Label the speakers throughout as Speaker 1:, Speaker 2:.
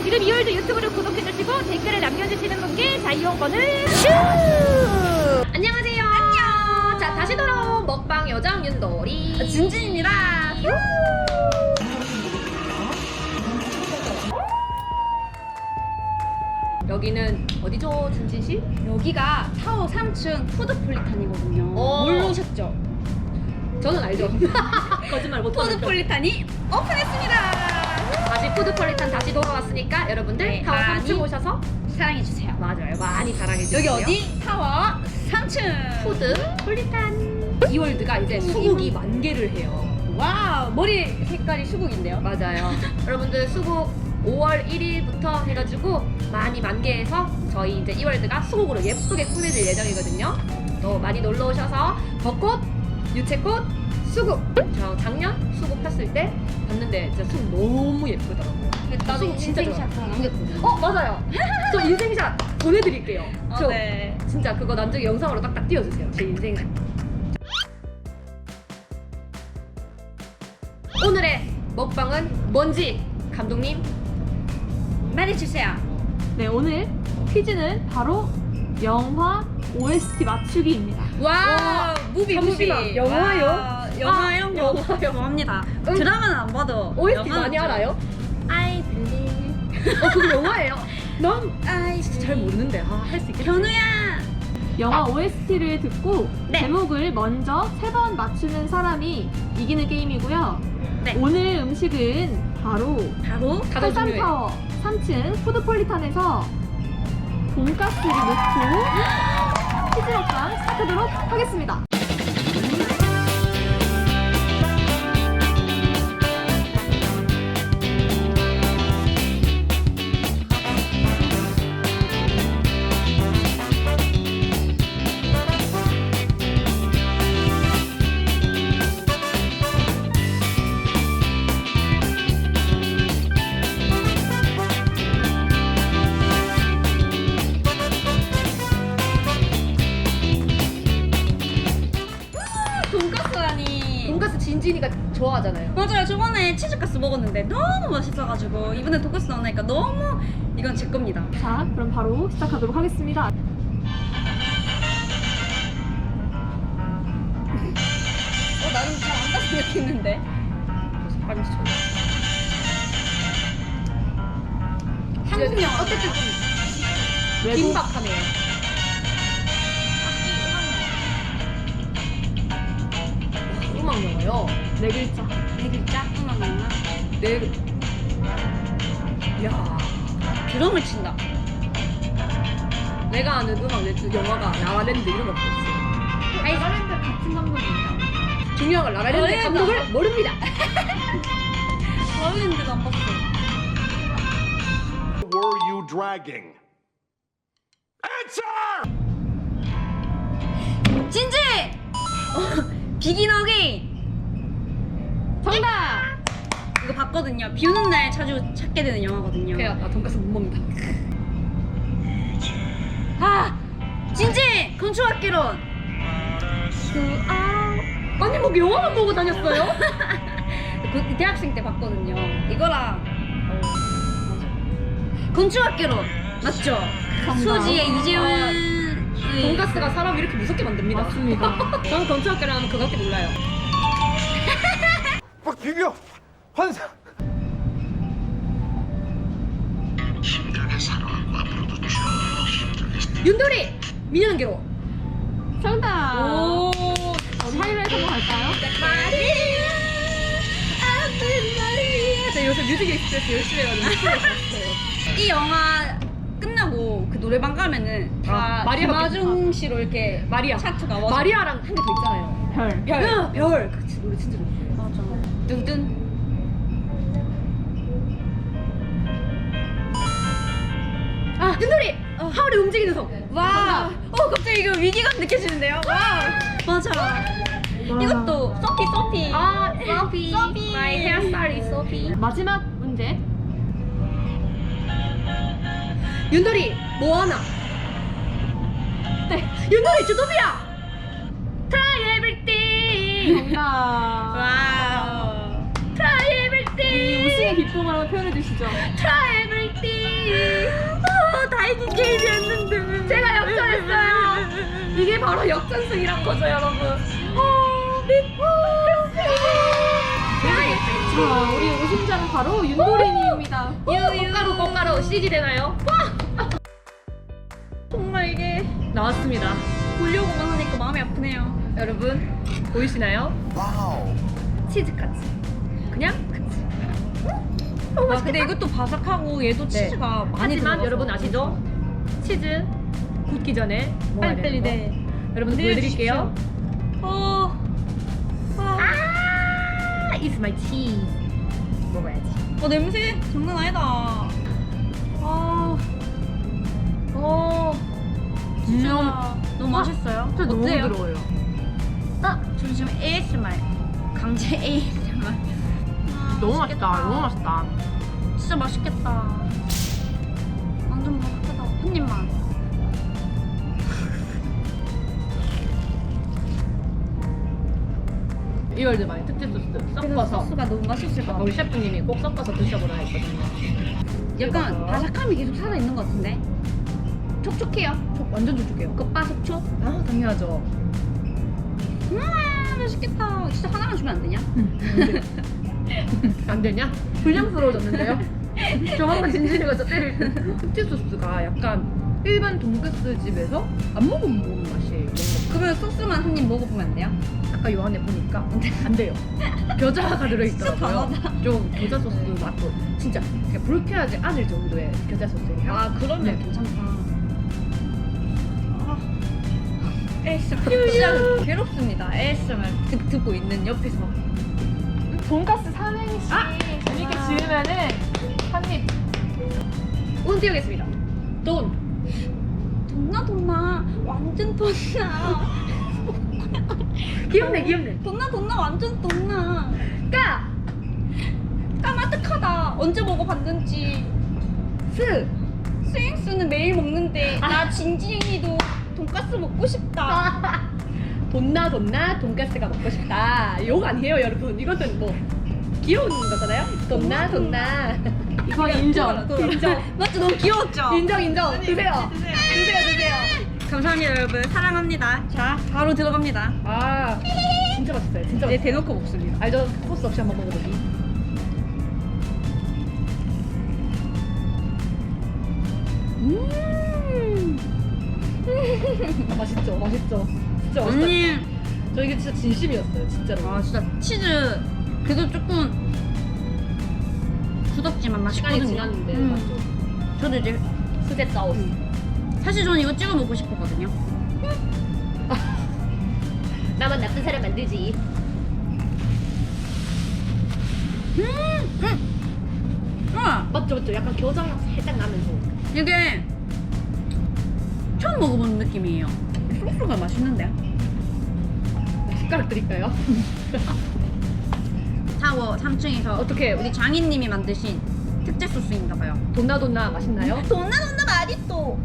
Speaker 1: 지금 이월드 유튜브를 구독해주시고 댓글을 남겨주시는 분께 자이용권을 슈! 안녕하세요. 안녕. 자, 다시 돌아온 먹방 요정 윤돌이
Speaker 2: 진진입니다.
Speaker 1: 여기는 어디죠, 진진씨?
Speaker 2: 여기가 타워 3층 푸드폴리탄이거든요. 모르셨죠?
Speaker 1: 저는 알죠. 거짓말 못하는
Speaker 2: 푸드폴리탄이 오픈했습니다.
Speaker 1: 다시 푸드폴리탄 다시 돌아왔으니까 여러분들
Speaker 2: 네,
Speaker 1: 타워
Speaker 2: 많이
Speaker 1: 3층 오셔서
Speaker 2: 사랑해주세요.
Speaker 1: 맞아요, 많이 사랑해주세요.
Speaker 2: 여기 어디? 타워 3층
Speaker 1: 푸드폴리탄. 이월드가 이제 수국이 만개를 해요.
Speaker 2: 와우, 머리 색깔이 수국인데요.
Speaker 1: 맞아요. 여러분들 수국 5월 1일부터 해가지고 많이 만개해서 저희 이제 이월드가 수국으로 예쁘게 꾸며질 예정이거든요. 또 많이 놀러 오셔서 벚꽃, 유채꽃, 수국. 저 작년 수국 폈을 때 봤는데 진짜 수국 너무 예쁘더라고요.
Speaker 2: 나도
Speaker 1: 수국 진짜
Speaker 2: 인생샷
Speaker 1: 좋아요.
Speaker 2: 하나 남겼거든요.
Speaker 1: 맞아요. 저 인생샷 보내드릴게요. 저
Speaker 2: 네.
Speaker 1: 진짜 그거 나중에 영상으로 딱딱 띄워주세요. 제 인생샷. 오늘의 먹방은 뭔지 감독님
Speaker 2: 말해주세요.
Speaker 3: 네, 오늘 퀴즈는 바로 영화 OST 맞추기입니다.
Speaker 2: 와, 무비.
Speaker 1: 영화요?
Speaker 2: 와, 영화 이런 거
Speaker 1: 영화요.
Speaker 2: 좋아합니다.
Speaker 1: 응.
Speaker 2: 드라마는 안 봐도
Speaker 1: OST
Speaker 2: 영화는
Speaker 1: 많이
Speaker 2: 좀.
Speaker 1: 알아요? I believe. 그거 영화예요? 난
Speaker 2: 아이,
Speaker 1: 잘 모르는데 할 수 있겠지?
Speaker 2: 견우야.
Speaker 3: 영화 OST를 듣고
Speaker 2: 네.
Speaker 3: 제목을 먼저 3번 맞추는 사람이 이기는 게임이고요.
Speaker 2: 네.
Speaker 3: 오늘 음식은 바로
Speaker 1: 가장 중요해.
Speaker 3: 한산타워 3층 푸드폴리탄에서 돈가스를 넣고 퀴즈 먹방 시작하도록 하겠습니다.
Speaker 2: 돈가스라니.
Speaker 1: 돈가스 진진이가 좋아하잖아요.
Speaker 2: 맞아요. 저번에 치즈가스 먹었는데 너무 맛있어가지고 이번에 돈가스 나오니까 너무 이건 제 겁니다.
Speaker 3: 자, 그럼 바로 시작하도록 하겠습니다.
Speaker 2: 나는 잘 안 갔으면 좋겠는데.
Speaker 1: 빨리 쳐.
Speaker 2: 한국 영화.
Speaker 1: 어쨌든 좀
Speaker 3: 외국
Speaker 1: 긴박하네요. 음악 영화요.
Speaker 3: 4글자.
Speaker 2: 네 글자? 음악 영화.
Speaker 1: 네. 야,
Speaker 2: 드럼을 친다.
Speaker 1: 내가 아는 음악 영화가 라라랜드 이런 거 없어.
Speaker 3: 아이슬란드 같은 감독이에요.
Speaker 1: 중요한 건 라라랜드 감독을 모릅니다.
Speaker 2: 라울랜드도 안 봤어.
Speaker 4: Were you dragging? Answer!
Speaker 2: 진지! 비긴 어게인!
Speaker 3: 정답!
Speaker 2: 이거 봤거든요. 비 오는 날 자주 찾게 되는 영화거든요.
Speaker 1: 그래요. 나 돈가스 못 먹는다.
Speaker 2: 아! 진지! 건축학개론!
Speaker 1: 아니 뭐 영화만 보고 다녔어요?
Speaker 2: 그 대학생 때 봤거든요. 이거랑 건축학개론! 맞죠?
Speaker 3: 정답.
Speaker 2: 수지의 이재훈
Speaker 1: 돈가스가 사람 이렇게 무섭게 만듭니다.
Speaker 3: 맞습니다.
Speaker 1: 저는 건축학개를 하면 그거밖에 몰라요.
Speaker 4: 막 비벼! 환상!
Speaker 1: 윤돌이! 민현계로!
Speaker 3: 정답!
Speaker 2: 오!
Speaker 3: 우리 하이라이트 한번 갈까요?
Speaker 1: 제가 요새 뮤직 익스프레스 열심히 해가지고
Speaker 2: 이 영화 끝나고 그 노래방 가면은 다
Speaker 1: 마리아밖에
Speaker 2: 김아중 씨로 이렇게
Speaker 1: 마리아.
Speaker 2: 차트가 와서
Speaker 1: 마리아랑 한 개 더 있잖아요.
Speaker 3: 별.
Speaker 2: 별.
Speaker 1: 별. 그치, 노래 진짜 좋아요.
Speaker 2: 맞아. 뚱뚱.
Speaker 1: 아, 윤돌이! 하울이 움직이는 성!
Speaker 2: 와. 갑자기 이거 위기감 느껴지는데요. 와. 맞아. 이것도 소피.
Speaker 1: 아, 소피.
Speaker 2: 소피.
Speaker 1: My hairstyle is 소피.
Speaker 3: 마지막 문제.
Speaker 1: 윤돌이, 모아나.
Speaker 3: 네.
Speaker 1: 윤돌이, 주도비야! Try everything!
Speaker 3: 정답.
Speaker 2: 와우.
Speaker 1: Try
Speaker 3: 이
Speaker 1: everything!
Speaker 3: 우승의 기쁨을 한번 표현해 주시죠.
Speaker 1: Try everything! 띠.
Speaker 2: 다 이긴 게임이었는데.
Speaker 1: 제가 역전했어요. 이게 바로 역전승이란 거죠, 여러분.
Speaker 3: 자, 우리 우승자는 바로 윤도린이입니다.
Speaker 1: 꽃가루 CG 되나요?
Speaker 2: 정말 이게
Speaker 1: 나왔습니다.
Speaker 2: 보려고만 하니까 마음이 아프네요.
Speaker 1: 여러분 보이시나요?
Speaker 4: Wow.
Speaker 1: 치즈 카츠. 그냥 카츠.
Speaker 2: 와 근데 이것도 바삭하고 얘도 치즈가 많이
Speaker 1: 하지만
Speaker 2: 들어가서.
Speaker 1: 여러분 아시죠? 치즈 굳기 전에 먹어야
Speaker 2: 빨리빨리
Speaker 1: 되는 거.
Speaker 2: 네.
Speaker 1: 여러분 보여드릴게요. It's my cheese. 먹어야지.
Speaker 2: 냄새 장난 아니다. 진짜 너무 맛있어요.
Speaker 3: 진짜 너무
Speaker 2: 어때요?
Speaker 3: 부드러워요.
Speaker 2: 저 지금 ASMR 강제 ASMR.
Speaker 3: 너무 맛있다. 너무 맛있다.
Speaker 2: 진짜 맛있겠다. 완전 맛있겠다. 한 입만.
Speaker 1: 이월드 많이 특제 소스 섞어서
Speaker 2: 소스가 너무 맛있을 것 같아.
Speaker 1: 우리 셰프님이 꼭 섞어서 드셔보라 했거든요.
Speaker 2: 약간
Speaker 1: 이거죠.
Speaker 2: 바삭함이 계속 살아 있는 것 같은데.
Speaker 1: 촉촉해요. 완전 촉촉해요.
Speaker 2: 겉바속촉.
Speaker 1: 아 당연하죠.
Speaker 2: 맛있겠다. 진짜 하나만 주면 안 되냐?
Speaker 1: 안 되냐? 불량스러워졌는데요? 저 한번 진진이가 저 때릴 때. 특제 소스가 약간 일반 돈가스 집에서 안 먹어본 맛이에요. 뭔가.
Speaker 2: 그러면 소스만 한 입 먹어보면 안 돼요?
Speaker 1: 아까 요 안에 보니까 안 돼요. 겨자가 들어있더라고요.
Speaker 2: 진짜
Speaker 1: 좀 겨자 소스 맛도 진짜 그냥 불쾌하지 않을 정도의 겨자 소스의 향.
Speaker 2: 그러면
Speaker 1: 네.
Speaker 2: 괜찮다. ASMR 진짜 괴롭습니다. ASMR 듣고 있는 옆에서.
Speaker 3: 돈가스 삼행시 재밌게 지으면은 한입.
Speaker 1: 운 띄우겠습니다. 돈.
Speaker 2: 돈나 완전 돈나.
Speaker 1: 귀엽네.
Speaker 2: 돈나 완전 돈나.
Speaker 1: 까.
Speaker 2: 까마득하다. 언제 먹어봤는지. 스윙스는 매일 먹는데 나 진진이도 돈가스 먹고 싶다.
Speaker 1: 돈나 돈가스가 먹고 싶다. 욕 아니에요 여러분. 이것은 뭐 귀여운 거잖아요. 돈나.
Speaker 3: 이건 인정.
Speaker 1: 인정.
Speaker 2: 맞죠? 너무 귀여웠죠?
Speaker 1: 인정. 드세요.
Speaker 2: 감사합니다 여러분. 사랑합니다. 자 바로 들어갑니다.
Speaker 1: 아 진짜 맛있어요. 진짜
Speaker 2: 이제
Speaker 1: 맛있어요.
Speaker 2: 대놓고 먹습니다.
Speaker 1: 알죠? 소스 없이 한번 먹어보기. 맛있죠? 진짜 맛있다.
Speaker 2: 언니
Speaker 1: 저 이게 진짜 진심이었어요, 진짜로.
Speaker 2: 아 진짜 치즈 그래도 조금 굳었지만
Speaker 1: 시간이
Speaker 2: 맛있거든요.
Speaker 1: 지났는데
Speaker 2: 음.
Speaker 1: 맞죠?
Speaker 2: 저도 이제
Speaker 1: 수제 사우스.
Speaker 2: 사실 저는 이거 찍어 먹고 싶었거든요.
Speaker 1: 나만 나쁜 사람 만들지. 맞죠? 약간 겨자향 살짝 나면서.
Speaker 2: 이게 처음 먹어보는 느낌이에요. 소스가 맛있는데.
Speaker 1: 숟가락 드릴까요?
Speaker 2: 타워 3층에서
Speaker 1: 어떻게
Speaker 2: 우리 장인님이 만드신 특제 소스인가봐요.
Speaker 1: 돈나 맛있나요?
Speaker 2: 돈나 맛있어.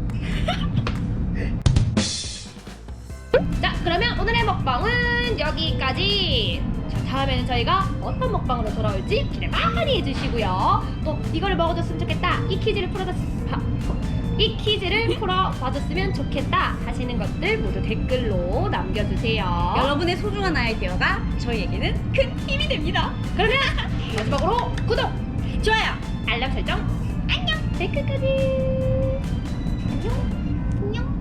Speaker 1: 자, 그러면 오늘의 먹방은 여기까지. 자, 다음에는 저희가 어떤 먹방으로 돌아올지 기대 많이 해주시고요. 또 이거를 먹어줬으면 좋겠다. 이 퀴즈를 풀어봐줬으면 좋겠다 하시는 것들 모두 댓글로 남겨주세요.
Speaker 2: 여러분의 소중한 아이디어가 저희에게는 큰 힘이 됩니다.
Speaker 1: 그러면 마지막으로 구독,
Speaker 2: 좋아요.
Speaker 1: 알람 설정, 안녕, 댓글까지.